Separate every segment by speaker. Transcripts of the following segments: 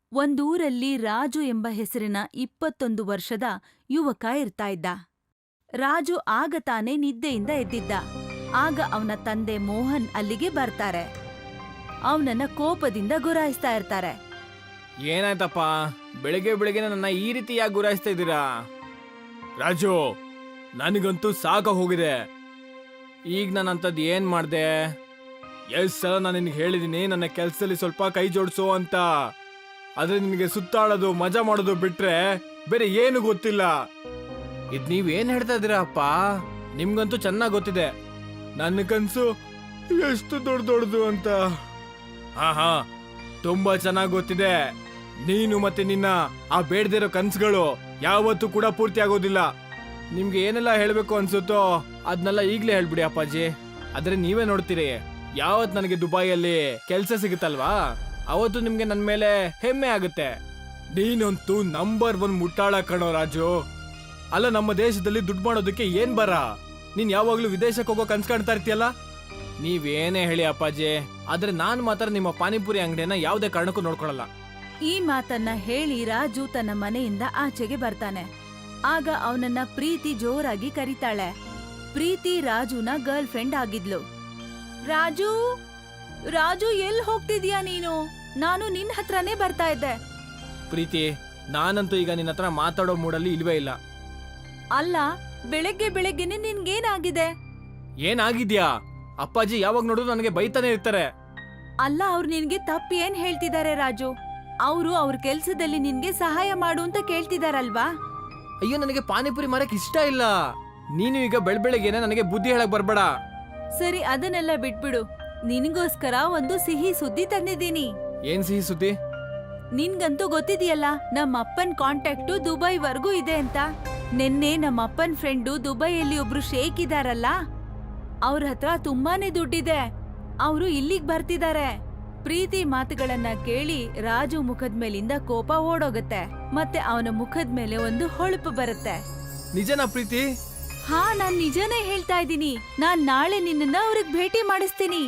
Speaker 1: ಒಂದೂರಲ್ಲಿ ರಾಜು ಎಂಬ ಹೆಸರಿನ 21 ವರ್ಷದ ಯುವಕ ಇರ್ತಾ ಇದ್ದ. ರಾಜು ಆಗ ತಾನೇ ನಿದ್ದೆಯಿಂದ ಎದ್ದಿದ್ದ. ಆಗ ಅವನ ತಂದೆ ಮೋಹನ್ ಅಲ್ಲಿಗೆ ಬರ್ತಾರೆ. ಅವನನ್ನ ಕೋಪದಿಂದ ಗುರಾಯಿಸ್ತಾ ಇರ್ತಾರೆ.
Speaker 2: ಏನಾಯ್ತಪ್ಪ, ಬೆಳಿಗ್ಗೆ ಬೆಳಿಗ್ಗೆ ನನ್ನ ಈ ರೀತಿ ಯಾಕೆ ಗುರಾಯಿಸ್ತಾ ಇದ್ದೀರಾ? ರಾಜು, ನನಗಂತೂ ಸಾಕ ಹೋಗಿದೆ. ಈಗ ನಾನು ಅಂಥದ್ದು ಏನ್ ಮಾಡ್ದೆ? ಎಷ್ಟು ಸಲ ನಾನು ನಿನ್ಗೆ ಹೇಳಿದೀನಿ ನನ್ನ ಕೆಲ್ಸದಲ್ಲಿ ಸ್ವಲ್ಪ ಕೈ ಜೋಡಿಸು ಅಂತ. ಆದ್ರೆ ನಿನಗೆ ಸುತ್ತಾಡೋದು ಮಜಾ ಮಾಡೋದು ಬಿಟ್ರೆ ಬೇರೆ ಏನು ಗೊತ್ತಿಲ್ಲ. ಇದ್ ನೀವೇನ್ ಹೇಳ್ತಾ ಇದ್ದೀರಾ ಅಪ್ಪ? ನಿಮ್ಗಂತೂ ಚೆನ್ನಾಗ್ ಗೊತ್ತಿದೆ ನನ್ನ ಕನ್ಸು ಎಷ್ಟು ದೊಡ್ಡದು ಅಂತ. ಹಾ, ತುಂಬಾ ಚೆನ್ನಾಗ್ ಗೊತ್ತಿದೆ. ನೀನು ಮತ್ತೆ ನಿನ್ನ ಆ ಬೇಡದಿರೋ ಕನ್ಸುಗಳು ಯಾವತ್ತೂ ಕೂಡ ಪೂರ್ತಿ ಆಗೋದಿಲ್ಲ. ನಿಮ್ಗೆ ಏನೆಲ್ಲ ಹೇಳ್ಬೇಕು ಅನ್ಸುತ್ತೋ ಅದನ್ನೆಲ್ಲ ಈಗ್ಲೇ ಹೇಳ್ಬಿಡಿ ಅಪ್ಪಾಜಿ. ಆದ್ರೆ ನೀವೇ ನೋಡ್ತೀರಿ, ಯಾವತ್ ನನಗೆ ದುಬೈಯಲ್ಲಿ ಕೆಲ್ಸ ಸಿಗುತ್ತಲ್ವಾ ಅವತ್ತು ನಿಮ್ಗೆ ನನ್ ಮೇಲೆ ಹೆಮ್ಮೆ ಆಗುತ್ತೆ. ನೀನಂತೂ ನಂಬರ್ 1 ಮುಟ್ಟಾಳ ಕಣೋ ರಾಜು. ಅಲ್ಲ, ನಮ್ಮ ದೇಶದಲ್ಲಿ ದುಡ್ಡು ಮಾಡೋದಕ್ಕೆ ಏನ್ ಬರ? ನೀನ್ ಯಾವಾಗ್ಲೂ ವಿದೇಶಕ್ಕೆ ಹೋಗೋ ಕನ್ಸ್ ಕಾಣ್ತಾ ಇರ್ತೀಯಲ್ಲ. ನೀವೇನೇ ಹೇಳಿ ಅಪ್ಪಾಜಿ, ಆದ್ರೆ ನಾನ್ ಮಾತ್ರ ನಿಮ್ಮ ಪಾನಿಪುರಿ ಅಂಗಡಿಯನ್ನ ಯಾವುದೇ ಕಾರಣಕ್ಕೂ ನೋಡ್ಕೊಳಲ್ಲ.
Speaker 1: ಈ ಮಾತನ್ನ ಹೇಳಿ ರಾಜು ತನ್ನ ಮನೆಯಿಂದ ಆಚೆಗೆ ಬರ್ತಾನೆ. ಆಗ ಅವನನ್ನ ಪ್ರೀತಿ ಜೋರಾಗಿ ಕರೀತಾಳೆ. ಪ್ರೀತಿ ರಾಜುನ ಗರ್ಲ್ ಫ್ರೆಂಡ್ ಆಗಿದ್ಲು. ರಾಜು, ರಾಜು, ಎಲ್ ಹೋಗ್ತಿದ್ಯಾ ನೀನು? ನಾನು ನಿನ್ ಹತ್ರನೇ ಬರ್ತಾ ಇದ್ದೆ.
Speaker 2: ಪ್ರೀತಿ, ನಾನಂತೂ ಈಗ ನಿನ್ನ ಹತ್ರ ಮಾತಾಡೋ ಮೂಡಲ್ಲಿ ಇಲ್ವೇ ಇಲ್ಲ.
Speaker 1: ಅಲ್ಲ, ಬೆಳಗ್ಗೆನೆ ನಿನ್ಗೇನಾಗಿದೆ?
Speaker 2: ಏನಾಗಿದ್ಯಾ? ಅಪ್ಪಾಜಿ ಯಾವಾಗ ನೋಡಿದ್ರು ನನಗೆ ಬೈತಾನೆ ಇರ್ತಾರೆ.
Speaker 1: ಅಲ್ಲ, ಅವ್ರು ನಿನ್ಗೆ ತಪ್ಪು ಏನ್ ಹೇಳ್ತಿದ್ದಾರೆ ರಾಜು? ಅವ್ರ ಕೆಲ್ಸದಲ್ಲಿ ನಿನ್ಗೆ ಸಹಾಯ ಮಾಡು ಅಂತ ಕೇಳ್ತಿದಾರಲ್ವಾ?
Speaker 2: ಅಯ್ಯೋ, ನನಗೆ ಪಾನಿಪುರಿ ಮಾರಕ್ ಇಷ್ಟ ಇಲ್ಲ. ನೀನು ಈಗ ಬೆಳಬೆಳಗ್ಗೆನೆ ನನಗೆ ಬುದ್ಧಿ ಹೇಳಕ್ ಬರ್ಬೇಡ.
Speaker 1: ಸರಿ, ಅದನ್ನೆಲ್ಲ ಬಿಟ್ಬಿಡು. ನಿನ್ಗೋಸ್ಕರ ಒಂದು ಸಿಹಿ ಸುದ್ದಿ ತಂದಿದ್ದೀನಿ.
Speaker 2: ಏನ್ ಸಿಹಿ ಸುದ್ದಿ?
Speaker 1: ನಿನ್ಗಂತೂ ಗೊತ್ತಿದೆಯಲ್ಲ, ನಮ್ಮ ಅಪ್ಪನ್ ಕಾಂಟ್ಯಾಕ್ಟು ದುಬೈವರೆಗೂ ಇದೆ ಅಂತ. ನಿನ್ನೆ ನಮ್ಮ ಅಪ್ಪನ್ ಫ್ರೆಂಡು ದುಬೈಯಲ್ಲಿ ಒಬ್ರು ಶೇಖ್ ಇದಾರಲ್ಲ, ಅವ್ರ ಹತ್ರ ತುಂಬಾನೇ ದುಡ್ಡಿದೆ. ಅವರು ಇಲ್ಲಿಗ್ ಬರ್ತಿದ್ದಾರೆ. ಪ್ರೀತಿ ಮಾತುಗಳನ್ನ ಕೇಳಿ ರಾಜು ಮುಖದ ಮೇಲಿಂದ ಕೋಪ ಓಡೋಗತ್ತೆ. ಮತ್ತೆ ಅವನ ಮುಖದ ಮೇಲೆ ಒಂದು ಹೊಳಪು ಬರುತ್ತೆ.
Speaker 2: ನಿಜನಾ ಪ್ರೀತಿ?
Speaker 1: ಹಾ, ನಾನ್ ನಿಜನೇ ಹೇಳ್ತಾ ಇದ್ದೀನಿ. ನಾನ್ ನಾಳೆ ನಿನ್ನನ್ನ ಅವ್ರಿಗೆ ಭೇಟಿ ಮಾಡಿಸ್ತೀನಿ.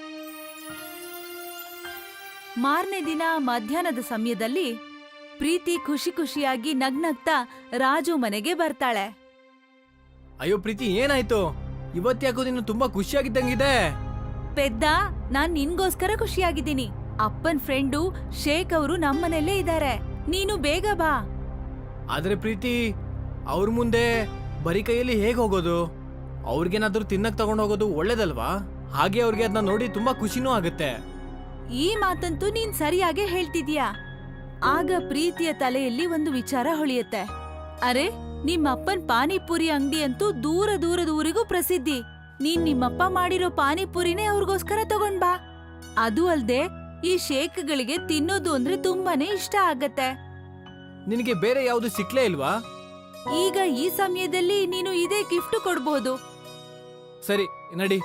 Speaker 1: ಮಾರನೇ ದಿನ ಮಧ್ಯಾಹ್ನದ ಸಮಯದಲ್ಲಿ ಪ್ರೀತಿ ಖುಷಿಯಾಗಿ ನಗ್ನಗ್ತಾ ರಾಜು ಮನೆಗೆ ಬರ್ತಾಳೆ.
Speaker 2: ಅಯ್ಯೋ ಪ್ರೀತಿ, ಏನಾಯ್ತು? ಇವತ್ತ್ಯಾಕೋ ನೀನು ತುಂಬಾ ಖುಷಿಯಾಗಿದ್ದಂಗಿದೆ.
Speaker 1: ಪೆದ್ದ, ನಾನ್ ನಿನ್ಗೋಸ್ಕರ ಖುಷಿಯಾಗಿದ್ದೀನಿ. ಅಪ್ಪನ್ ಫ್ರೆಂಡು ಶೇಖ್ ಅವರು ನಮ್ಮನೆಲ್ಲೇ ಇದ್ದಾರೆ. ನೀನು ಬೇಗ ಬಾ.
Speaker 2: ಆದ್ರೆ ಪ್ರೀತಿ, ಅವ್ರ ಮುಂದೆ ಬರೀ ಕೈಯಲ್ಲಿ ಹೇಗ್ ಹೋಗೋದು? ಅವ್ರಿಗೇನಾದ್ರೂ ತಿನ್ನಕ್ ತಗೊಂಡ್ ಹೋಗೋದು ಒಳ್ಳೇದಲ್ವಾ? ಹಾಗೆ ಅವ್ರಿಗೆ ಅದನ್ನ ನೋಡಿ ತುಂಬಾ ಖುಷಿನೂ ಆಗುತ್ತೆ.
Speaker 1: ಈ ಮಾತಂತೂ ನೀನ್ ಸರಿಯಾಗೆ ಹೇಳ್ತಿದ್ಯಾ. ಆಗ ಪ್ರೀತಿಯ ತಲೆಯಲ್ಲಿ ಒಂದು ವಿಚಾರ ಹೊಳೆಯುತ್ತೆ. ಅರೆ, ನಿಮ್ಮಪ್ಪನ್ ಪಾನಿಪುರಿ ಅಂಗಡಿ ಅಂತೂ ದೂರದೂರಿಗೂ ಪ್ರಸಿದ್ಧಿ. ನೀನ್ ನಿಮ್ಮಪ್ಪ ಮಾಡಿರೋ ಪಾನಿಪುರಿನೇ ಅವ್ರಿಗೋಸ್ಕರ ತಗೊಂಡ್ ಬಾ. ಅದು ಅಲ್ದೆ ಈ ಶೇಕ್ಗಳಿಗೆ ತಿನ್ನೋದು ಅಂದ್ರೆ ತುಂಬಾನೇ ಇಷ್ಟ ಆಗತ್ತೆ.
Speaker 2: ನಿನಗೆ ಬೇರೆ ಯಾವ್ದು ಸಿಕ್ಲೇ ಇಲ್ವಾ?
Speaker 1: ಈಗ ಈ ಸಮಯದಲ್ಲಿ ನೀನು ಇದೇ ಗಿಫ್ಟ್ ಕೊಡ್ಬೋದು.
Speaker 2: ಸರಿ, ನಡಿ.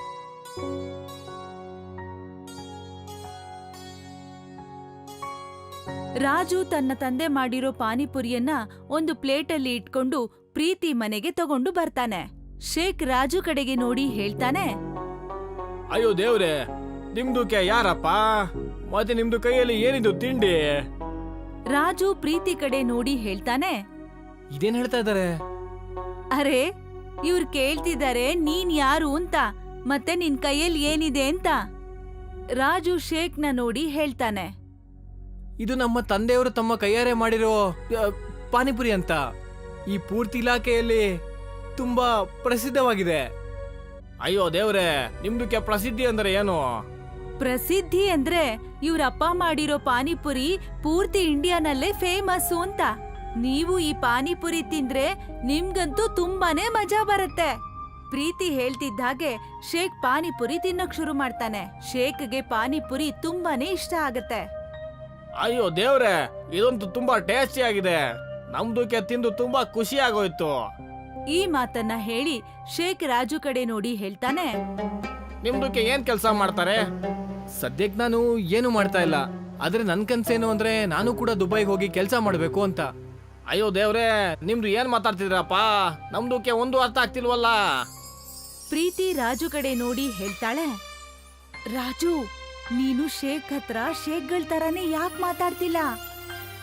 Speaker 1: ರಾಜು ತನ್ನ ತಂದೆ ಮಾಡಿರೋ ಪಾನಿಪುರಿಯನ್ನ ಒಂದು ಪ್ಲೇಟಲ್ಲಿ ಇಟ್ಕೊಂಡು ಪ್ರೀತಿ ಮನೆಗೆ ತಗೊಂಡು ಬರ್ತಾನೆ. ಶೇಖ್ ರಾಜು ಕಡೆಗೆ ನೋಡಿ ಹೇಳ್ತಾನೆ,
Speaker 2: ಅಯ್ಯೋ ದೇವ್ರೆ, ನಿಮ್ದು ಯಾರಪ್ಪ? ಮತ್ತೆ ನಿಮ್ದು ಕೈಯಲ್ಲಿ ಏನಿದು ತಿಂಡಿ?
Speaker 1: ರಾಜು ಪ್ರೀತಿ ಕಡೆ ನೋಡಿ ಹೇಳ್ತಾನೆ,
Speaker 2: ಇದೇನ್ ಹೇಳ್ತಾ ಇದಾರೆ?
Speaker 1: ಅರೆ, ಇವ್ರು ಕೇಳ್ತಿದ್ದಾರೆ ನೀನ್ ಯಾರು ಅಂತ, ಮತ್ತೆ ನಿನ್ ಕೈಯಲ್ಲಿ ಏನಿದೆ ಅಂತ. ರಾಜು ಶೇಖ್ನ ನೋಡಿ ಹೇಳ್ತಾನೆ,
Speaker 2: ಇದು ನಮ್ಮ ತಂದೆಯವರು ತಮ್ಮ ಕೈಯಾರೆ ಮಾಡಿರೋ ಪಾನಿಪುರಿ ಅಂತ. ಈ ಪೂರ್ತಿ ಇಲಾಖೆಯಲ್ಲಿ ತುಂಬಾ ಪ್ರಸಿದ್ಧವಾಗಿದೆ. ಅಯ್ಯೋ ದೇವ್ರೆ, ನಿಮ್ದು ಪ್ರಸಿದ್ಧಿ ಅಂದ್ರೆ ಏನು?
Speaker 1: ಪ್ರಸಿದ್ಧಿ ಅಂದ್ರೆ ಇವ್ರಪ್ಪ ಮಾಡಿರೋ ಪಾನಿಪುರಿ ಪೂರ್ತಿ ಇಂಡಿಯಾನಲ್ಲೇ ಫೇಮಸ್ ಅಂತ. ನೀವು ಈ ಪಾನಿಪುರಿ ತಿಂದ್ರೆ ನಿಮ್ಗಂತೂ ತುಂಬಾನೇ ಮಜಾ ಬರುತ್ತೆ. ಪ್ರೀತಿ ಹೇಳ್ತಿದ್ದ ಹಾಗೆ ಶೇಖ್ ಪಾನಿಪುರಿ ತಿನ್ನಕ್ ಶುರು ಮಾಡ್ತಾನೆ. ಶೇಖ್ಗೆ ಪಾನಿಪುರಿ ತುಂಬಾನೇ ಇಷ್ಟ ಆಗತ್ತೆ.
Speaker 2: ಅಯ್ಯೋ ದೇವ್ರೆ, ಇದಂತೂ ತುಂಬಾ ಟೇಸ್ಟಿ ಆಗಿದೆ. ನಮ್ದು ತಿಂದು ತುಂಬಾ ಖುಷಿ ಆಗೋಯ್ತು.
Speaker 1: ಈ ಮಾತನ್ನ ಹೇಳಿ ಶೇಖ್ ರಾಜು ಕಡೆ ನೋಡಿ ಹೇಳ್ತಾನೆ,
Speaker 2: ನಿಮ್ದಕ್ಕೆ ಏನ್ ಕೆಲಸ ಮಾಡ್ತಾರೆ? ಸದ್ಯಕ್ ನಾನು ಏನು ಮಾಡ್ತಾ ಇಲ್ಲ. ಆದ್ರೆ ನನ್ ಕನ್ಸೇನು ಅಂದ್ರೆ ನಾನು ಕೂಡ ದುಬೈಗೆ ಹೋಗಿ ಕೆಲಸ ಮಾಡ್ಬೇಕು ಅಂತ. ಅಯ್ಯೋ ದೇವ್ರೆ, ನಿಮ್ದು ಏನ್ ಮಾತಾಡ್ತಿದ್ರಪ್ಪ? ನಮ್ದಕ್ಕೆ ಒಂದು ಅರ್ಥ ಆಗ್ತಿಲ್ವಲ್ಲ.
Speaker 1: ಪ್ರೀತಿ ರಾಜು ಕಡೆ ನೋಡಿ ಹೇಳ್ತಾಳೆ, ರಾಜು, ನೀನು ಶೇಖ್ ಹತ್ರ ಶೇಖ್ಗಳ್ ತರಾನೇ ಯಾಕೆ ಮಾತಾಡ್ತಿಲ್ಲ?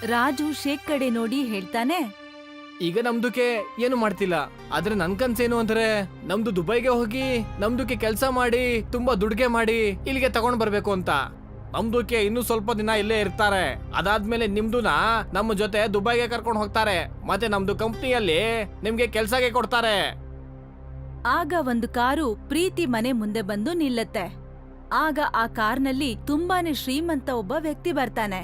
Speaker 1: ರಾಜು ಶೇಖ್ ಕಡೆ ನೋಡಿ ಹೇಳ್ತಾನೆ,
Speaker 2: ಈಗ ನಮ್ದುಕ್ಕೆ ಏನು ಮಾಡ್ತಿಲ್ಲ, ಆದ್ರೆ ನನ್ ಕನ್ಸೇನು ಅಂದ್ರೆ ನಮ್ದು ದುಬೈಗೆ ಹೋಗಿ ನಮ್ದುಕ್ಕೆ ಕೆಲಸ ಮಾಡಿ ತುಂಬಾ ದುಡ್ಗೆ ಮಾಡಿ ಇಲ್ಲಿಗೆ ತಗೊಂಡ್ ಬರ್ಬೇಕು ಅಂತ. ನಮ್ದುಕ್ಕೆ ಇನ್ನು ಸ್ವಲ್ಪ ದಿನ ಇಲ್ಲೇ ಇರ್ತಾರೆ, ಅದಾದ್ಮೇಲೆ ನಿಮ್ದುನ ನಮ್ಮ ಜೊತೆ ದುಬೈಗೆ ಕರ್ಕೊಂಡು ಹೋಗ್ತಾರೆ, ಮತ್ತೆ ನಮ್ದು ಕಂಪ್ನಿಯಲ್ಲಿ ನಿಮ್ಗೆ ಕೆಲ್ಸಕ್ಕೆ ಕೊಡ್ತಾರೆ.
Speaker 1: ಆಗ ಒಂದು ಕಾರು ಪ್ರೀತಿ ಮನೆ ಮುಂದೆ ಬಂದು ನಿಲ್ಲತ್ತೆ. ಆಗ ಆ ಕಾರ್ನಲ್ಲಿ ತುಂಬಾನೇ ಶ್ರೀಮಂತ ಒಬ್ಬ ವ್ಯಕ್ತಿ ಬರ್ತಾನೆ.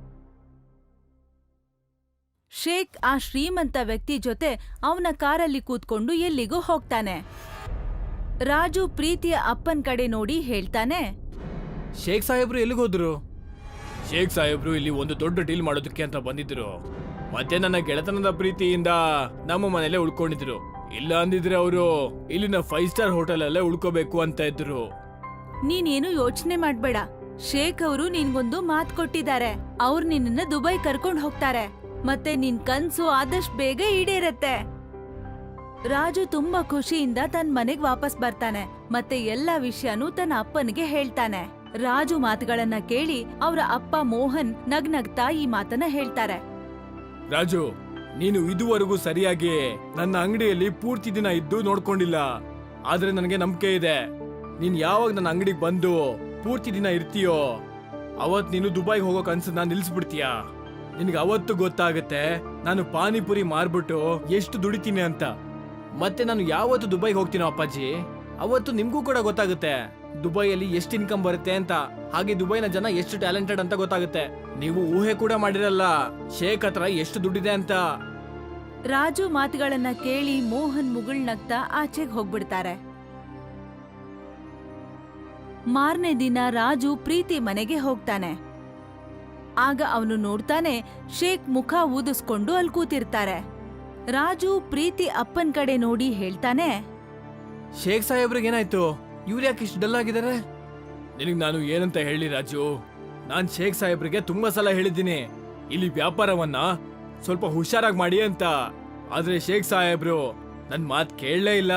Speaker 1: ಶೇಖ್ ಆ ಶ್ರೀಮಂತ ವ್ಯಕ್ತಿ ಜೊತೆ ಅವನ ಕಾರಲ್ಲಿ ಕೂತ್ಕೊಂಡು ಎಲ್ಲಿಗೂ ಹೋಗ್ತಾನೆ. ರಾಜು ಪ್ರೀತಿಯ ಅಪ್ಪನ್ ಕಡೆ ನೋಡಿ ಹೇಳ್ತಾನೆ,
Speaker 2: ಶೇಖ್ ಸಾಹೇಬ್ರು ಎಲ್ಲಿಗೆ ಹೋದ್ರು? ಶೇಖ್ ಸಾಹೇಬ್ರು ಇಲ್ಲಿ ಒಂದು ದೊಡ್ಡ ಡೀಲ್ ಮಾಡೋದಕ್ಕೆ ಅಂತ ಬಂದಿದ್ರು, ಮತ್ತೆ ನನ್ನ ಗೆಳೆತನದ ಪ್ರೀತಿಯಿಂದ ನಮ್ಮ ಮನೇಲೆ ಉಳ್ಕೊಂಡಿದ್ರು. ಇಲ್ಲ ಅಂದಿದ್ರೆ ಅವರು ಇಲ್ಲಿನ 5 ಸ್ಟಾರ್ ಹೋಟೆಲ್ ಅಲ್ಲೇ ಉಳ್ಕೋಬೇಕು ಅಂತ ಇದ್ರು.
Speaker 1: ನೀನೇನು ಯೋಚನೆ ಮಾಡ್ಬೇಡ, ಶೇಖ್ ಅವರು ನಿನ್ಗೊಂದು ಮಾತ್ ಕೊಟ್ಟಿದ್ದಾರೆ. ಅವ್ರು ನಿನ್ನ ದುಬೈ ಕರ್ಕೊಂಡ್ ಹೋಗ್ತಾರೆ, ಮತ್ತೆ ನಿನ್ ಕನ್ಸು ಆದಷ್ಟು ಬೇಗ ಈಡೇರತ್ತೆ. ರಾಜು ತುಂಬಾ ಖುಷಿಯಿಂದ ತನ್ನ ಮನೆಗ್ ವಾಪಸ್ ಬರ್ತಾನೆ, ಮತ್ತೆ ಎಲ್ಲಾ ವಿಷಯನೂ ತನ್ನ ಅಪ್ಪನಿಗೆ ಹೇಳ್ತಾನೆ. ರಾಜು ಮಾತುಗಳನ್ನ ಕೇಳಿ ಅವರ ಅಪ್ಪ ಮೋಹನ್ ನಗ್ನಗ್ತಾ ಈ ಮಾತನ್ನ ಹೇಳ್ತಾರೆ.
Speaker 2: ರಾಜು, ನೀನು ಇದುವರೆಗೂ ಸರಿಯಾಗಿ ನನ್ನ ಅಂಗಡಿಯಲ್ಲಿ ಪೂರ್ತಿ ದಿನ ಇದ್ದು ನೋಡ್ಕೊಂಡಿಲ್ಲ, ಆದ್ರೆ ನನಗೆ ನಂಬಿಕೆ ಇದೆ, ನೀನ್ ಯಾವಾಗ ನನ್ನ ಅಂಗಡಿಗೆ ಬಂದು ಪೂರ್ತಿ ದಿನ ಇರ್ತೀಯೋ ಅವತ್ ನೀನು ದುಬೈಗೆ ಹೋಗೋ ಕನ್ಸನ್ನ ನಿಲ್ಸ್ಬಿಡ್ತೀಯ. ನಿನ್ಗೆ ಅವತ್ತು ಗೊತ್ತಾಗತ್ತೆ ನಾನು ಪಾನಿಪುರಿ ಮಾರ್ಬಿಟ್ಟು ಎಷ್ಟು ದುಡಿತೀನಿ ಅಂತ. ಮತ್ತೆ ನಾನು ಯಾವತ್ತು ದುಬೈಗೆ ಹೋಗ್ತೀನೋ ಅಪ್ಪಾಜಿ, ಅವತ್ತು ನಿಮ್ಗೂ ಕೂಡ ಗೊತ್ತಾಗುತ್ತೆ ದುಬೈಯಲ್ಲಿ ಎಷ್ಟು ಇನ್ಕಮ್ ಬರುತ್ತೆ ಅಂತ, ಹಾಗೆ ದುಬೈನ ಜನ ಎಷ್ಟು ಟ್ಯಾಲೆಂಟೆಡ್ ಅಂತ ಗೊತ್ತಾಗುತ್ತೆ. ನೀವು ಊಹೆ ಕೂಡ ಮಾಡಿರಲ್ಲ ಶೇಖ್ ಹತ್ರ ಎಷ್ಟು ದುಡ್ಡಿದೆ ಅಂತ.
Speaker 1: ರಾಜು ಮಾತುಗಳನ್ನ ಕೇಳಿ ಮೋಹನ್ ಮುಗುಳ್ನಗ್ತಾ ಆಚೆಗೆ ಹೋಗ್ಬಿಡ್ತಾರೆ. ಮಾರನೇ ದಿನ ರಾಜು ಪ್ರೀತಿ ಮನೆಗೆ ಹೋಗ್ತಾನೆ. ಆಗ ಅವನು ನೋಡ್ತಾನೆ ಶೇಖ್ ಮುಖ ಊದಿಸ್ಕೊಂಡು ಅಲ್ಲಿ ಕೂತಿರ್ತಾರೆ. ರಾಜು ಪ್ರೀತಿ ಅಪ್ಪನ್ ಕಡೆ ನೋಡಿ ಹೇಳ್ತಾನೆ,
Speaker 2: ಶೇಖ್ ಸಾಹೇಬ್ರಿಗೆ ಏನಾಯ್ತು? ಇವ್ರು ಯಾಕೆ ಇಷ್ಟು ಡಲ್ ಆಗಿದ್ದಾರೆ? ನಿನಗ್ ನಾನು ಏನಂತ ಹೇಳಿ ರಾಜು, ನಾನ್ ಶೇಖ್ ಸಾಹೇಬ್ರಿಗೆ ತುಂಬಾ ಸಲ ಹೇಳಿದ್ದೀನಿ ಇಲ್ಲಿ ವ್ಯಾಪಾರವನ್ನ ಸ್ವಲ್ಪ ಹುಷಾರಾಗಿ ಮಾಡಿ ಅಂತ, ಆದ್ರೆ ಶೇಖ್ ಸಾಹೇಬ್ರು ನನ್ ಮಾತ್ ಕೇಳಲೇ ಇಲ್ಲ.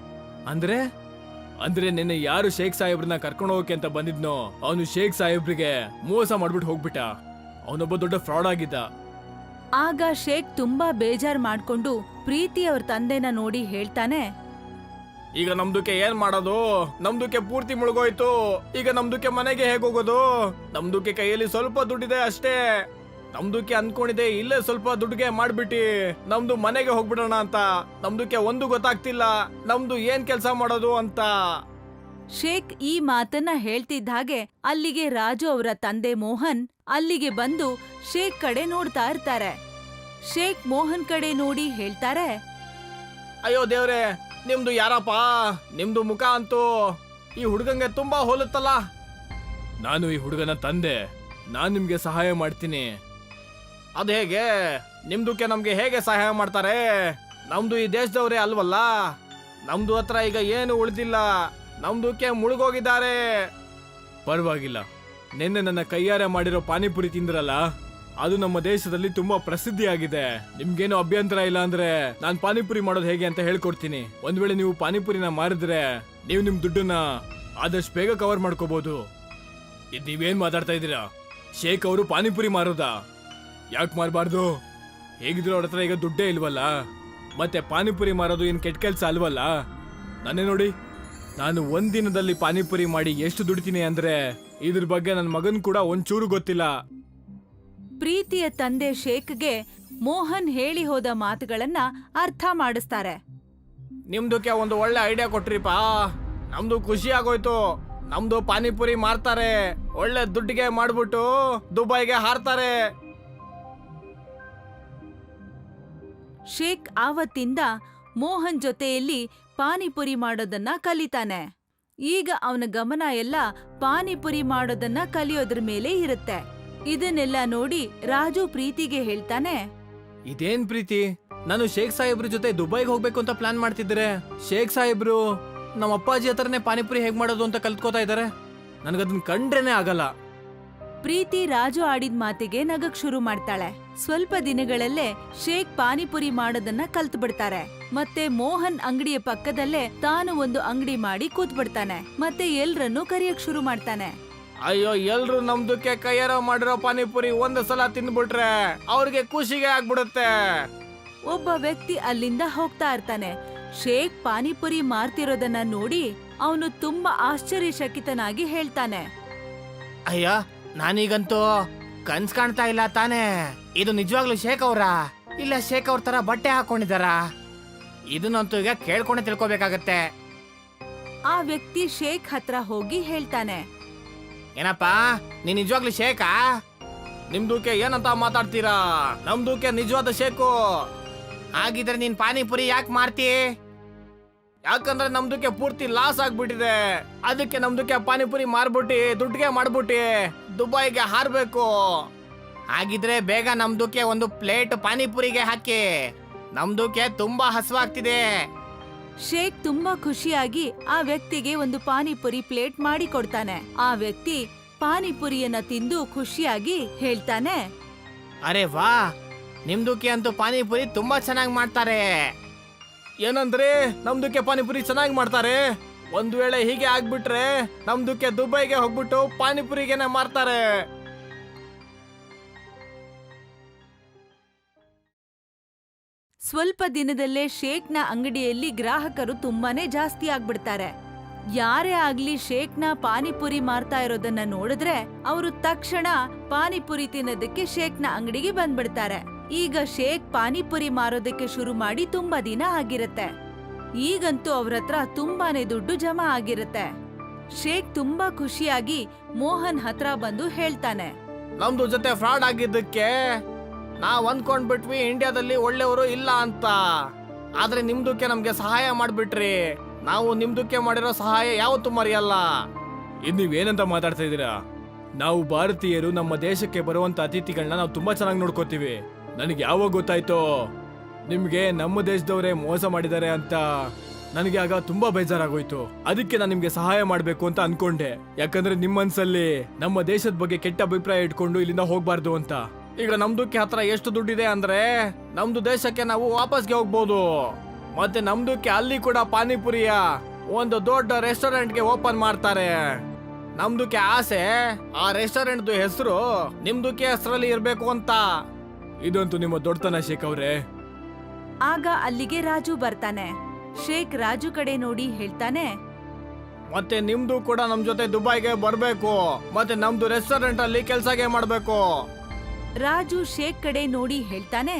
Speaker 2: ಅಂದ್ರೆ ನಿನ್ನೆ ಯಾರು ಶೇಖ್ ಸಾಹೇಬ್ರನ್ನ ಕರ್ಕೊಂಡು ಹೋಗಕ್ಕೆ ಅಂತ ಬಂದಿದ್ನೋ ಅವನು ಶೇಖ್ ಸಾಹೇಬ್ರಿಗೆ ಮೋಸ ಮಾಡ್ಬಿಟ್ಟು ಹೋಗ್ಬಿಟ್ಟ. ಅವನೊಬ್ಬ ದೊಡ್ಡ ಫ್ರಾಡ್ ಆಗಿದ್ದ.
Speaker 1: ಆಗ ಶೇಖ್ ತುಂಬಾ ಬೇಜಾರ್ ಮಾಡ್ಕೊಂಡು ಪ್ರೀತಿ ಅವ್ರ ತಂದೆನ ನೋಡಿ ಹೇಳ್ತಾನೆ,
Speaker 2: ಈಗ ನಮ್ದುಕ್ಕೆ ಏನ್ ಮಾಡೋದು? ನಮ್ದುಕ್ಕೆ ಪೂರ್ತಿ ಮುಳುಗೋಯ್ತು. ಈಗ ನಮ್ದುಕ್ಕೆ ಮನೆಗೆ ಹೇಗ್ ಹೋಗೋದು? ನಮ್ದುಕ್ಕೆ ಕೈಯಲ್ಲಿ ಸ್ವಲ್ಪ ದುಡ್ಡಿದೆ ಅಷ್ಟೇ. ನಮ್ದುಕ್ಕೆ ಅನ್ಕೊಂಡಿದೆ ಇಲ್ಲೇ ಸ್ವಲ್ಪ ದುಡ್ಡಿಗೆ ಮಾಡ್ಬಿಟ್ಟಿ ನಮ್ದು ಮನೆಗೆ ಹೋಗ್ಬಿಡೋಣ ಅಂತ. ನಮ್ದುಕ್ಕೆ ಒಂದು ಗೊತ್ತಾಗ್ತಿಲ್ಲ ನಮ್ದು ಏನ್ ಕೆಲ್ಸ ಮಾಡೋದು ಅಂತ.
Speaker 1: ಶೇಖ್ ಈ ಮಾತನ್ನ ಹೇಳ್ತಿದ್ದ ಹಾಗೆ ಅಲ್ಲಿಗೆ ರಾಜು ಅವರ ತಂದೆ ಮೋಹನ್ ಅಲ್ಲಿಗೆ ಬಂದು ಶೇಖ್ ಕಡೆ ನೋಡ್ತಾ ಇರ್ತಾರೆ. ಶೇಖ್ ಮೋಹನ್ ಕಡೆ ನೋಡಿ ಹೇಳ್ತಾರೆ,
Speaker 2: ಅಯ್ಯೋ ದೇವ್ರೆ, ನಿಮ್ದು ಯಾರಪ್ಪ? ನಿಮ್ದು ಮುಖ ಅಂತೂ ಈ ಹುಡುಗಂಗೆ ತುಂಬಾ ಹೋಲುತ್ತಲ್ಲ. ನಾನು ಈ ಹುಡುಗನ ತಂದೆ, ನಾನ್ ನಿಮ್ಗೆ ಸಹಾಯ ಮಾಡ್ತೀನಿ. ಅದ್ ಹೇಗೆ? ನಿಮ್ದುಕ್ಕೆ ನಮ್ಗೆ ಹೇಗೆ ಸಹಾಯ ಮಾಡ್ತಾರೆ? ನಮ್ದು ಈ ದೇಶದವ್ರೇ ಅಲ್ವಲ್ಲ. ನಮ್ದು ಹತ್ರ ಈಗ ಏನು ಉಳಿದಿಲ್ಲ, ನಮ್ದುಕ್ಕೆ ಮುಳುಗೋಗಿದ್ದಾರೆ. ಪರವಾಗಿಲ್ಲ, ನಿನ್ನೆ ನನ್ನ ಕೈಯಾರೆ ಮಾಡಿರೋ ಪಾನಿಪುರಿ ತಿಂದ್ರಲ್ಲ, ಅದು ನಮ್ಮ ದೇಶದಲ್ಲಿ ತುಂಬಾ ಪ್ರಸಿದ್ಧಿಯಾಗಿದೆ. ನಿಮ್ಗೇನು ಅಭ್ಯಂತರ ಇಲ್ಲ ಅಂದ್ರೆ ನಾನ್ ಪಾನಿಪುರಿ ಮಾಡೋದು ಹೇಗೆ ಅಂತ ಹೇಳ್ಕೊಡ್ತೀನಿ. ಒಂದ್ ವೇಳೆ ನೀವು ಪಾನಿಪುರಿನ ಮಾರಿದ್ರೆ ನೀವು ನಿಮ್ ದುಡ್ಡನ್ನ ಆದಷ್ಟು ಬೇಗ ಕವರ್ ಮಾಡ್ಕೋಬಹುದು. ಇದ್ ನೀವೇನ್ ಮಾತಾಡ್ತಾ ಇದ್ದೀರಾ? ಶೇಖ್ ಅವರು ಪಾನಿಪುರಿ ಮಾರೋದಾ? ಯಾಕೆ ಮಾರಬಾರ್ದು? ಹೇಗಿದ್ರು ಅವ್ರ ಹತ್ರ ಈಗ ದುಡ್ಡೇ ಇಲ್ವಲ್ಲ, ಮತ್ತೆ ಪಾನಿಪುರಿ ಮಾರೋದು ಏನ್ ಕೆಟ್ಟ ಕೆಲ್ಸ ಅಲ್ವಲ್ಲ. ನಾನೇ ನೋಡಿ, ನಾನು ಒಂದಿನದಲ್ಲಿ ಪಾನಿಪುರಿ ಮಾಡಿ ಎಷ್ಟು ದುಡಿತೀನಿ ಅಂದ್ರೆ ಇದ್ರ ಬಗ್ಗೆ ನನ್ನ ಮಗನ್ ಕೂಡ ಒಂಚೂರು ಗೊತ್ತಿಲ್ಲ.
Speaker 1: ಪ್ರೀತಿಯ ತಂದೆ ಶೇಖ್ಗೆ ಮೋಹನ್ ಹೇಳಿ ಹೋದ ಮಾತುಗಳನ್ನ ಅರ್ಥ ಮಾಡಿಸ್ತಾರೆ.
Speaker 2: ನಿಮ್ದಕ್ಕೆ ಒಂದು ಒಳ್ಳೆ ಐಡಿಯಾ ಕೊಟ್ರಿಪ್ಪ, ನಮ್ದು ಖುಷಿ ಆಗೋಯ್ತು. ನಮ್ದು ಪಾನಿಪುರಿ ಮಾರ್ತಾರೆ, ಒಳ್ಳೆ ದುಡ್ಡಿಗೆ ಮಾಡ್ಬಿಟ್ಟು ದುಬೈಗೆ ಹಾರ್ತಾರೆ.
Speaker 1: ಶೇಖ್ ಆವತ್ತಿಂದ ಮೋಹನ್ ಜೊತೆಯಲ್ಲಿ ಪಾನಿಪುರಿ ಮಾಡೋದನ್ನ ಕಲಿತಾನೆ. ಈಗ ಅವನ ಗಮನ ಎಲ್ಲ ಪಾನಿಪುರಿ ಮಾಡೋದನ್ನ ಕಲಿಯೋದ್ರ ಮೇಲೆ ಇರುತ್ತೆ. ಇದನ್ನೆಲ್ಲ ನೋಡಿ ರಾಜು ಪ್ರೀತಿಗೆ ಹೇಳ್ತಾನೆ,
Speaker 2: ಇದೇನ್ ಪ್ರೀತಿ, ನಾನು ಶೇಖ್ ಸಾಹೇಬ್ರ ಜೊತೆ ದುಬೈಗೆ ಹೋಗ್ಬೇಕು ಅಂತ ಪ್ಲಾನ್ ಮಾಡ್ತಿದ್ರೆ ಶೇಖ್ ಸಾಹೇಬ್ರು ನಮ್ಮ ಅಪ್ಪಾಜಿ ಹತ್ರನೇ ಪಾನಿಪುರಿ ಹೇಗ್ ಮಾಡೋದು ಅಂತ ಕಲ್ತ್ಕೋತಾ ಇದಾರೆ. ನನ್ಗದನ್ನ ಕಂಡ್ರೇನೆ ಆಗಲ್ಲ.
Speaker 1: ಪ್ರೀತಿ ರಾಜು ಆಡಿದ ಮಾತಿಗೆ ನಗಕ್ ಶುರು ಮಾಡ್ತಾಳೆ. ಸ್ವಲ್ಪ ದಿನಗಳಲ್ಲೇ ಶೇಖ್ ಪಾನಿಪುರಿ ಮಾಡೋದನ್ನ ಕಲ್ತ್ ಬಿಡ್ತಾರೆ. ಮತ್ತೆ ಮೋಹನ್ ಅಂಗಡಿಯ ಪಕ್ಕದಲ್ಲೇ ತಾನು ಒಂದು ಅಂಗಡಿ ಮಾಡಿ ಕೂತ್ ಬಿಡ್ತಾನೆ. ಮತ್ತೆ ಎಲ್ರನ್ನೂ ಕರೆಯಕ್ ಶುರು ಮಾಡ್ತಾನೆ.
Speaker 2: ಅಯ್ಯೋ ಎಲ್ರು ನಮ್ದಕ್ಕೆ ಕೈಯಾರ ಮಾಡಿರೋ ಪಾನಿಪುರಿ ಒಂದು ಸಲ ತಿಂದ್ಬಿಟ್ರೆ ಅವ್ರಿಗೆ ಖುಷಿಗೆ ಆಗ್ಬಿಡುತ್ತೆ.
Speaker 1: ಒಬ್ಬ ವ್ಯಕ್ತಿ ಅಲ್ಲಿಂದ ಹೋಗ್ತಾ ಇರ್ತಾನೆ. ಶೇಖ್ ಪಾನಿಪುರಿ ಮಾರ್ತಿರೋದನ್ನ ನೋಡಿ ಅವನು ತುಂಬಾ ಆಶ್ಚರ್ಯಚಕಿತನಾಗಿ ಹೇಳ್ತಾನೆ,
Speaker 3: ಅಯ್ಯ ನಾನೀಗಂತೂ ಕನ್ಸ್ ಕಾಣ್ತಾ ಇಲ್ಲ ತಾನೇ. ಇದು ನಿಜವಾಗ್ಲೂ ಶೇಖ್ ಅವ್ರಾ ಇಲ್ಲ ಶೇಖ್ ಅವ್ರ ತರ ಬಟ್ಟೆ ಹಾಕೊಂಡಿದಾರ? ಇದನ್ನಂತೂ ಈಗ ಕೇಳ್ಕೊಂಡೆ ತಿಳ್ಕೊಬೇಕಾಗತ್ತೆ.
Speaker 1: ಆ ವ್ಯಕ್ತಿ ಶೇಖ್ ಹತ್ರ ಹೋಗಿ ಹೇಳ್ತಾನೆ,
Speaker 3: ಏನಪ್ಪಾ ನೀನ್ ನಿಜವಾಗ್ಲೂ ಶೇಖಾ?
Speaker 2: ನಿಮ್ದಕ್ಕೆ ಏನಂತ ಮಾತಾಡ್ತೀರಾ? ನಮ್ದಕ್ಕೆ ನಿಜವಾದ ಶೇಕು.
Speaker 3: ಹಾಗಿದ್ರೆ ನೀನ್ ಪಾನಿಪುರಿ ಯಾಕೆ ಮಾರ್ತಿ?
Speaker 2: ಯಾಕಂದ್ರೆ ನಮ್ದಕ್ಕೆ ಪೂರ್ತಿ ಲಾಸ್ ಆಗ್ಬಿಟ್ಟಿದೆ. ಅದಕ್ಕೆ ನಮ್ದಕ್ಕೆ ಪಾನಿಪುರಿ ಮಾರ್ಬಿಟ್ಟು ದುಡ್ಡಿಗೆ ಮಾಡ್ಬಿಟ್ಟು ದುಬೈಗೆ ಹಾರ್ಬೇಕು.
Speaker 3: ಹಾಗಿದ್ರೆ ಬೇಗ ನಮ್ದಕ್ಕೆ ಒಂದು ಪ್ಲೇಟ್ ಪಾನಿಪುರಿಗೆ ಹಾಕಿ. ನಮ್ದಕ್ಕೆ ತುಂಬಾ ಹಸುವಾಗ್ತಿದೆ.
Speaker 1: ಶೇಖ್ ತುಂಬಾ ಖುಷಿಯಾಗಿ ಆ ವ್ಯಕ್ತಿಗೆ ಒಂದು ಪಾನಿಪುರಿ ಪ್ಲೇಟ್ ಮಾಡಿ ಕೊಡ್ತಾನೆ. ಆ ವ್ಯಕ್ತಿ ಪಾನಿಪುರಿಯನ್ನ ತಿಂದು ಖುಷಿಯಾಗಿ ಹೇಳ್ತಾನೆ,
Speaker 3: ಅರೆ ವಾ, ನಿಮ್ದಕ್ಕೆ ಅಂತೂ ಪಾನಿಪುರಿ ತುಂಬಾ ಚೆನ್ನಾಗಿ ಮಾಡ್ತಾರೆ.
Speaker 2: ಏನಂದ್ರೆ ನಮ್ದಕ್ಕೆ ಪಾನಿಪುರಿ ಚೆನ್ನಾಗಿ ಮಾಡ್ತಾರೆ? ಒಂದ್ ವೇಳೆ ಹೀಗೆ ಆಗ್ಬಿಟ್ರೆ ನಮ್ದಕ್ಕೆ ದುಬೈಗೆ ಹೋಗ್ಬಿಟ್ಟು ಪಾನಿಪುರಿಗೆನೆ ಮಾರ್ತಾರೆ.
Speaker 1: ಸ್ವಲ್ಪ ದಿನದಲ್ಲೇ ಶೇಖ್ನ ಅಂಗಡಿಯಲ್ಲಿ ಗ್ರಾಹಕರು ತುಂಬಾನೇ ಜಾಸ್ತಿ ಆಗ್ಬಿಡ್ತಾರೆ. ಯಾರೇ ಆಗ್ಲಿ ಶೇಖ್ನ ಪಾನಿಪುರಿ ಮಾರ್ತಾ ಇರೋದನ್ನ ನೋಡಿದ್ರೆ ಅವರು ತಕ್ಷಣ ಪಾನಿಪುರಿ ತಿನ್ನೋದಕ್ಕೆ ಶೇಖ್ನ ಅಂಗಡಿಗೆ ಬಂದ್ಬಿಡ್ತಾರೆ. ಈಗ ಶೇಖ್ ಪಾನಿಪುರಿ ಮಾರೋದಕ್ಕೆ ಶುರು ಮಾಡಿ ತುಂಬಾ ದಿನ ಆಗಿರತ್ತೆ. ಈಗಂತೂ ಅವ್ರ ಹತ್ರ ತುಂಬಾನೇ ದುಡ್ಡು ಜಮಾ ಆಗಿರತ್ತೆ. ಶೇಖ್ ತುಂಬಾ ಖುಷಿಯಾಗಿ ಮೋಹನ್ ಹತ್ರ ಬಂದು ಹೇಳ್ತಾನೆ,
Speaker 2: ನಮ್ದು ಜೊತೆ ಫ್ರಾಡ್ ಆಗಿದ್ದಕ್ಕೆ ನಾವ್ ಅಂದ್ಕೊಂಡ್ಬಿಟ್ವಿ ಇಂಡಿಯಾದಲ್ಲಿ ಒಳ್ಳೆಯವರು ಇಲ್ಲ ಅಂತ. ಆದ್ರೆ ನಿಮ್ದಕ್ಕೆ ನಮ್ಗೆ ಸಹಾಯ ಮಾಡ್ಬಿಟ್ರಿ. ನಾವು ನಿಮ್ದಕ್ಕೆ ಮಾಡಿರೋ ಸಹಾಯ ಯಾವತ್ತೂ ಮರೆಯಲ್ಲ. ಇದ್ ನೀವೇನಂತ ಮಾತಾಡ್ತಾ ಇದೀರಾ? ನಾವು ಭಾರತೀಯರು ನಮ್ಮ ದೇಶಕ್ಕೆ ಬರುವಂತ ಅತಿಥಿಗಳನ್ನ ನಾವು ತುಂಬಾ ಚೆನ್ನಾಗಿ ನೋಡ್ಕೋತೀವಿ. ನನಗೆ ಯಾವಾಗ ಗೊತ್ತಾಯ್ತೋ ನಿಮ್ಗೆ ನಮ್ಮ ದೇಶದವರೇ ಮೋಸ ಮಾಡಿದ್ದಾರೆ ಅಂತ, ನನಗೆ ಆಗ ತುಂಬಾ ಬೇಜಾರಾಗೋಯ್ತು. ಅದಕ್ಕೆ ನಾನು ನಿಮ್ಗೆ ಸಹಾಯ ಮಾಡ್ಬೇಕು ಅಂತ ಅನ್ಕೊಂಡೆ. ಯಾಕಂದ್ರೆ ನಿಮ್ಮ ಮನ್ಸಲ್ಲಿ ನಮ್ಮ ದೇಶದ ಬಗ್ಗೆ ಕೆಟ್ಟ ಅಭಿಪ್ರಾಯ ಇಟ್ಕೊಂಡು ಇಲ್ಲಿಂದ ಹೋಗ್ಬಾರ್ದು ಅಂತ. ಈಗ ನಮ್ದಕ್ಕೆ ಹತ್ರ ಎಷ್ಟು ದುಡ್ಡಿದೆ ಅಂದ್ರೆ ನಮ್ದು ದೇಶಕ್ಕೆ ನಾವು ವಾಪಸ್ಗೆ ಹೋಗ್ಬೋದು. ಮತ್ತೆ ನಮ್ದಕ್ಕೆ ಅಲ್ಲಿ ಕೂಡ ಪಾನಿಪುರಿಯ ಒಂದು ದೊಡ್ಡ ರೆಸ್ಟೋರೆಂಟ್ಗೆ ಓಪನ್ ಮಾಡ್ತಾರೆ. ನಮ್ದಕ್ಕೆ ಆಸೆ ಆ ರೆಸ್ಟೋರೆಂಟ್ ಹೆಸರು ನಿಮ್ದಕ್ಕೆ ಹೆಸರಲ್ಲಿ ಇರ್ಬೇಕು ಅಂತ. ಇದಂತೂ ನಿಮ್ಮ ದೊಡ್ಡತನ ಶೇಖ್ ಅವ್ರೆ.
Speaker 1: ಆಗ ಅಲ್ಲಿಗೆ ರಾಜು ಬರ್ತಾನೆ. ಶೇಖ್ ರಾಜು ಕಡೆ ನೋಡಿ ಹೇಳ್ತಾನೆ,
Speaker 2: ಮತ್ತೆ ನಿಮ್ದು ಕೂಡ ನಮ್ ಜೊತೆ ದುಬೈಗೆ ಬರ್ಬೇಕು. ಮತ್ತೆ ನಮ್ದು ರೆಸ್ಟೋರೆಂಟ್ ಅಲ್ಲಿ ಕೆಲ್ಸಗೆ ಮಾಡ್ಬೇಕು.
Speaker 1: ರಾಜು ಶೇಖ್ ಕಡೆ ನೋಡಿ ಹೇಳ್ತಾನೆ,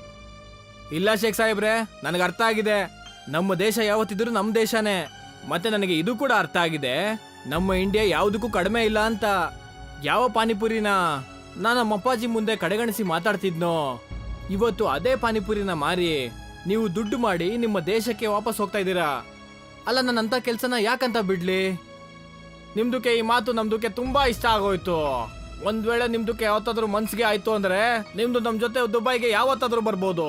Speaker 2: ಇಲ್ಲ ಶೇಖ್ ಸಾಹೇಬ್ರೆ, ನನಗೆ ಅರ್ಥ ಆಗಿದೆ. ನಮ್ಮ ದೇಶ ಯಾವತ್ತಿದ್ರು ನಮ್ ದೇಶನೇ. ಮತ್ತೆ ನನಗೆ ಇದು ಕೂಡ ಅರ್ಥ ಆಗಿದೆ, ನಮ್ಮ ಇಂಡಿಯಾ ಯಾವುದಕ್ಕೂ ಕಡಿಮೆ ಇಲ್ಲ ಅಂತ. ಯಾವ ಪಾನಿಪುರಿನ ನಾನು ನಮ್ಮ ಅಪ್ಪಾಜಿ ಮುಂದೆ ಕಡೆಗಣಿಸಿ ಮಾತಾಡ್ತಿದ್ನೋ, ಇವತ್ತು ಅದೇ ಪಾನಿಪುರಿನ ಮಾರಿ ನೀವು ದುಡ್ಡು ಮಾಡಿ ನಿಮ್ಮ ದೇಶಕ್ಕೆ ವಾಪಸ್ ಹೋಗ್ತಾ ಇದ್ದೀರಾ. ಅಲ್ಲ, ನನ್ನಂತ ಕೆಲ್ಸನ ಯಾಕಂತ ಬಿಡ್ಲಿ? ನಿಮ್ದಕ್ಕೆ ಈ ಮಾತು ನಮ್ದಕ್ಕೆ ತುಂಬಾ ಇಷ್ಟ ಆಗೋಯ್ತು. ಒಂದ್ ವೇಳೆ ನಿಮ್ದಕ್ಕೆ ಯಾವತ್ತಾದ್ರೂ ಮನ್ಸಿಗೆ ಆಯ್ತು ಅಂದ್ರೆ ನಿಮ್ದು ನಮ್ ಜೊತೆ ದುಬೈಗೆ ಯಾವತ್ತಾದ್ರೂ ಬರ್ಬೋದು.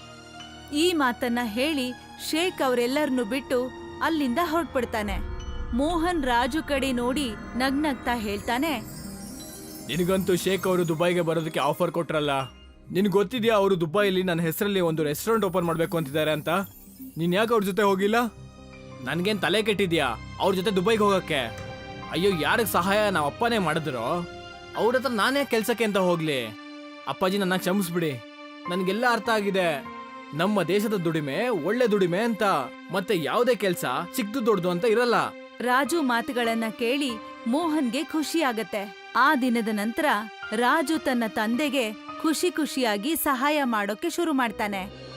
Speaker 1: ಈ ಮಾತನ್ನ ಹೇಳಿ ಶೇಖ್ ಅವರೆಲ್ಲರನ್ನು ಬಿಟ್ಟು ಅಲ್ಲಿಂದ ಹೊರಟ್ಬಿಡ್ತಾನೆ. ಮೋಹನ್ ರಾಜು ಕಡೆ ನೋಡಿ ನಗ್ನಗ್ತಾ ಹೇಳ್ತಾನೆ,
Speaker 2: ನಿನಗಂತೂ ಶೇಖ್ ಅವರು ದುಬೈಗೆ ಬರೋದಕ್ಕೆ ಆಫರ್ ಕೊಟ್ರಲ್ಲ. ನಿನ್ಗೆ ಗೊತ್ತಿದ್ಯಾ ಅವರು ದುಬೈಲಿ ನನ್ನ ಹೆಸರಲ್ಲಿ ಒಂದು ರೆಸ್ಟೋರೆಂಟ್ ಓಪನ್ ಮಾಡ್ಬೇಕು ಅಂತಿದ್ದಾರೆ ಅಂತ? ನೀನ್ ಯಾಕೆ ಅವ್ರ ಜೊತೆ ಹೋಗಿಲ್ಲ? ನನ್ಗೇನ್ ತಲೆ ಕೆಟ್ಟಿದ್ಯಾ ಅವ್ರ ಜೊತೆ ದುಬೈಗೆ ಹೋಗಕ್ಕೆ? ಅಯ್ಯೋ, ಯಾರಿಗೆ ಸಹಾಯ ನಾವು ಅಪ್ಪನೇ ಮಾಡಿದ್ರು, ಅವ್ರ ಹತ್ರ ನಾನೇ ಕೆಲ್ಸಕ್ಕೆ ಅಂತ ಹೋಗ್ಲಿ? ಅಪ್ಪಾಜಿ, ನನ್ನ ಕ್ಷಮಿಸ್ಬಿಡಿ. ನನ್ಗೆಲ್ಲ ಅರ್ಥ ಆಗಿದೆ. ನಮ್ಮ ದೇಶದ ದುಡಿಮೆ ಒಳ್ಳೆ ದುಡಿಮೆ ಅಂತ, ಮತ್ತೆ ಯಾವುದೇ ಕೆಲ್ಸ ಚಿಕ್ಕದು ದೊಡ್ಡದು ಅಂತ ಇರಲ್ಲ.
Speaker 1: ರಾಜು ಮಾತುಗಳನ್ನ ಕೇಳಿ ಮೋಹನ್ಗೆ ಖುಷಿ ಆಗತ್ತೆ. ಆ ದಿನದ ನಂತರ ರಾಜು ತನ್ನ ತಂದೆಗೆ ಖುಷಿಯಾಗಿ ಸಹಾಯ ಮಾಡೋಕೆ ಶುರು ಮಾಡ್ತಾನೆ.